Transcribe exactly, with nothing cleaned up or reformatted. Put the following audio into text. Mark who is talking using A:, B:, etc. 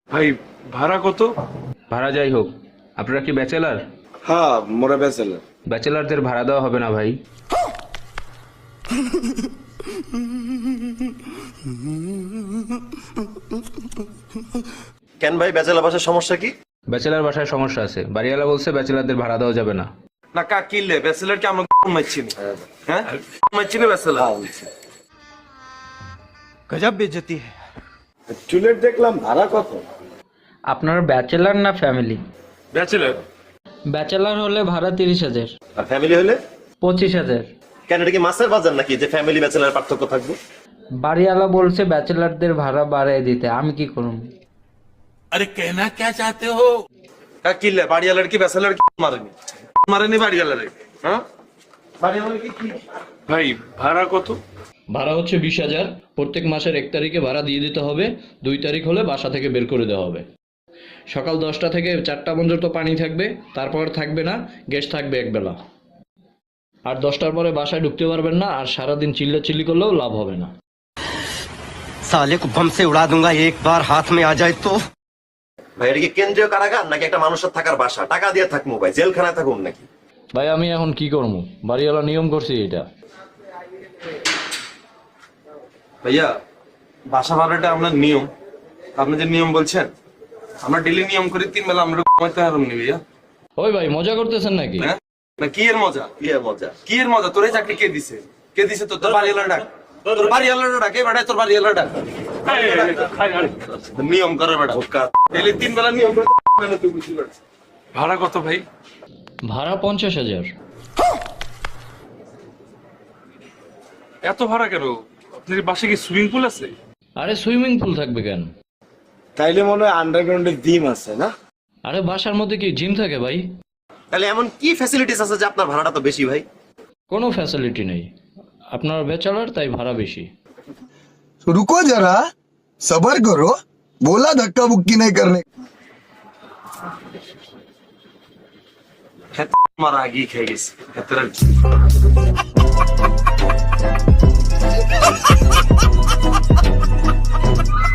A: ভাই ভাড়া কত?
B: ভাড়া যাই হোক, আপনারা কি ব্যাচেলার?
A: হ্যাঁ মোরা ব্যাচেলার।
B: ব্যাচেলারদের ভাড়া দেওয়া হবে না ভাই।
C: কেন ভাই, ব্যাচেলর বাসার সমস্যা কি?
B: ব্যাচেলার বাসায় সমস্যা আছে, বাড়িওয়ালা বলছে ব্যাচেলারদের ভাড়া দেওয়া যাবে না।
A: না কা কিনলে ব্যাচেলার কি আমরা মারছি না? হ্যাঁ মারছি না ব্যাচেলার।
D: गजब बेइज्जती है।
A: চুলের দেখলাম ভাড়া কত?
E: আপনার ব্যাচেলার না ফ্যামিলি?
A: ব্যাচেলার।
E: ব্যাচেলার হলে ভাড়া তিরিশ হাজার।
C: আর ফ্যামিলি হলে?
E: পঁচিশ হাজার।
C: কেন, এটা কি মাছের বাজার নাকি যে ফ্যামিলি ব্যাচেলর পার্থক্য থাকবে?
E: বাড়িওয়ালা বলছে ব্যাচেলারদের ভাড়া বাড়ায় দিতে, আমি কি করব?
F: अरे कहना क्या चाहते हो?
A: কা কিনলে বাড়িওয়ালার কি ব্যাচেলার কি মারেনি? মারেনি বাড়িওয়ালার। হ্যাঁ বাড়িওয়ালার কি কি ভাই ভাড়া কত?
G: ভাড়া হচ্ছে বিশ হাজার। প্রত্যেক মাসের এক তারিখে ভাড়া দিয়ে দিতে হবে। দুই তারিখ হলে বাসা থেকে বের করে দেওয়া হবে। সকাল দশটা থেকে চারটা পর্যন্ত পানি থাকবে, তারপর থাকবে না, গ্যাস থাকবে একবেলা। আর দশটার পরে বাসায় ঢুকতে পারবেন না, আর সারাদিন চিল্লা চিল্লি করলেও লাভ হবে না।
D: साले को बम से उड़ा दूंगा एक बार हाथ में आ जाए तो।
C: ভাই এটা কি কেন্দ্রীয় কারাগার নাকি একটা মানুষের থাকার বাসা? টাকা দিয়ে থাকবো ভাই, জেলখানায় থাকুন নাকি?
G: ভাই আমি এখন কি করবো, বাড়িওয়ালা নিয়ম করছি এটা।
A: ভাইয়া বাসা ভাড়াটা আপনার নিয়ম, আপনি যে নিয়ম বলছেন আমরা ডেলি নিয়ম করি, তিন বেলা আমরা কমাইতে হারাম নি ভাইয়া।
G: ওই ভাই মজা করতেছেন নাকি?
A: হ্যাঁ না কি এর মজা?
C: কি আর মজা?
A: কি এর মজা? তোর এই চাকরি কে দিছে? কে দিছে? তোর তোর বাড়িওয়ালা ডাক, তোর বাড়িওয়ালা ডাক, এই বেটা তোর বাড়িওয়ালা ডাক। নিয়ম করে বেটা, ডেলি তিন বেলা নিয়ম করে তুই বুঝতে পারছিস। ভাড়া কত ভাই?
G: ভাড়া পঞ্চাশ হাজার।
A: এত ভাড়া কেন? আপনার বাসে কি সুইমিং পুল আছে?
G: আরে সুইমিং পুল থাকবে কেন?
A: তাইলে মনে হয় আন্ডারগ্রাউন্ডে ডিম আছে না?
G: আরে বাসার মধ্যে কি জিম থাকে ভাই?
C: তাহলে এমন কি ফ্যাসিলিটিস আছে যে আপনার ভাড়াটা তো বেশি ভাই?
G: কোনো ফ্যাসিলিটি নেই। আপনার ব্যাচেলার, তাই ভাড়া বেশি।
H: रुको जरा सबर करो, बोला धक्का बुक्की नहीं करने।
A: আমার আগেই খেয়ে গেছি।